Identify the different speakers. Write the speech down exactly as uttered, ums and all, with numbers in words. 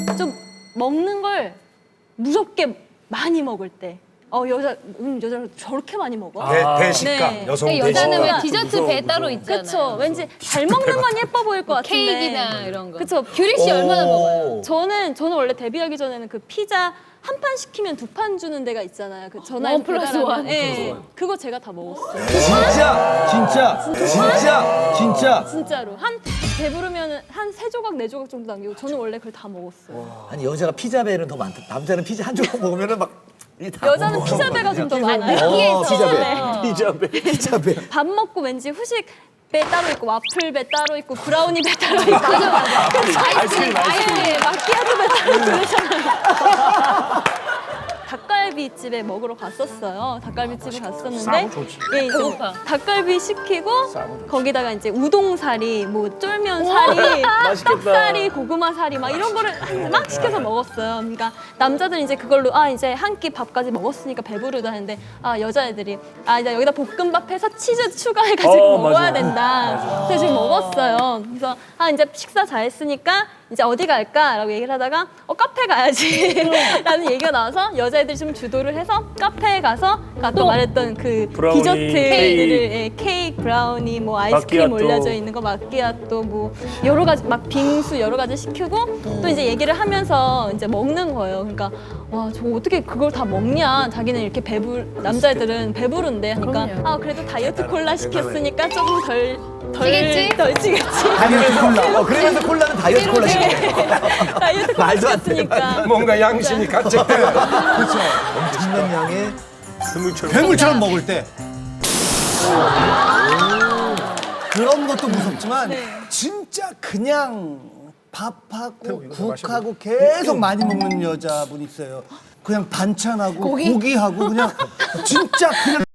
Speaker 1: 좀 먹는 걸 무섭게 많이 먹을 때. 어 여자 음 여자 저렇게 많이 먹어?
Speaker 2: 대, 대식감,
Speaker 1: 네.
Speaker 2: 여성
Speaker 3: 그러니까 여자는 왜
Speaker 2: 대식감.
Speaker 3: 디저트 배 따로 있잖아요.
Speaker 1: 그쵸. 왠지 잘 먹는 건 예뻐 보일 것 같은데.
Speaker 3: 케이크나 이런 거.
Speaker 1: 그쵸.
Speaker 3: 규리 씨 얼마나 먹어요?
Speaker 1: 저는 저는 원래 데뷔하기 전에는 그 피자 한 판 시키면 두 판 주는 데가 있잖아요. 그 전화해서
Speaker 3: 원 플러스
Speaker 1: 배달하면.
Speaker 3: 원.
Speaker 1: 예. 그거 제가 다 먹었어요.
Speaker 4: 진짜 진짜 진짜 진짜
Speaker 1: 진짜로 한 배부르면 한 세 조각 네 조각 정도 남기고 저는 원래 그걸 다 먹었어요.
Speaker 5: 아니 여자가 피자배는 더 많다. 남자는 피자 한 조각 먹으면은 막 이게 다
Speaker 1: 여자는
Speaker 5: 먹어.
Speaker 1: 피자배가 좀 더 많아요.
Speaker 5: 어, 피자배.
Speaker 1: 네.
Speaker 2: 피자배.
Speaker 5: 피자배.
Speaker 1: 밥 먹고 왠지 후식 배 따로 있고 와플 배 따로 있고 브라우니 배 따로 있고 맞아 맞아.
Speaker 2: 아이스크림, 아이스크림.
Speaker 1: 마키아토 배 따로 있고 그러잖아요. 닭갈비 집에 먹으러 갔었어요. 닭갈비 집에 갔었는데 예, 이제
Speaker 3: 배고파.
Speaker 1: 닭갈비 시키고 거기다가 이제 우동사리, 뭐 쫄면사리, 떡사리, 고구마사리 막 이런 거를 막 시켜서 먹었어요. 그러니까 남자들은 이제 그걸로 아 이제 한 끼 밥까지 먹었으니까 배부르다 했는데 아 여자애들이 아 이제 여기다 볶음밥 해서 치즈 추가해가지고
Speaker 2: 어,
Speaker 1: 먹어야
Speaker 2: 맞아.
Speaker 1: 된다. 그래서 지금 먹었어요. 그래서 아 이제 식사 다 했으니까 이제 어디 갈까라고 얘기를 하다가 어 카페 가야지 라는 얘기가 나와서 여자애들이 좀 주도를 해서 카페에 가서 아까
Speaker 3: 또
Speaker 1: 말했던 그
Speaker 2: 브라우니,
Speaker 1: 디저트들을
Speaker 2: 케이크.
Speaker 1: 예, 케이크, 브라우니, 뭐 아이스크림
Speaker 2: 마끼아또.
Speaker 1: 올려져 있는 거 마끼아또 뭐 여러 가지 막 빙수 여러 가지 시키고 또 이제 얘기를 하면서 이제 먹는 거예요. 그러니까 와 저 어떻게 그걸 다 먹냐? 자기는 이렇게 배불 남자애들은 배부른데 하니까
Speaker 3: 그럼요.
Speaker 1: 아 그래도 다이어트 콜라 시켰으니까 조금 덜 덜
Speaker 3: 찌겠지?
Speaker 1: 덜 찌겠지.
Speaker 5: 다이어트 콜라. 어, 그러면서 콜라는 다이어트 콜라 시켜.
Speaker 1: 다이어트 콜라
Speaker 5: 말도 안 돼,
Speaker 1: 시켰으니까.
Speaker 2: 뭔가 양심이 같이
Speaker 5: 엄청난 양의
Speaker 2: 스물처럼.
Speaker 4: 괴물처럼 먹을 때 그런 것도 무섭지만 진짜 그냥 밥하고 국하고 계속 많이 먹는 여자분 있어요. 그냥 반찬하고 고기하고 그냥 진짜 그냥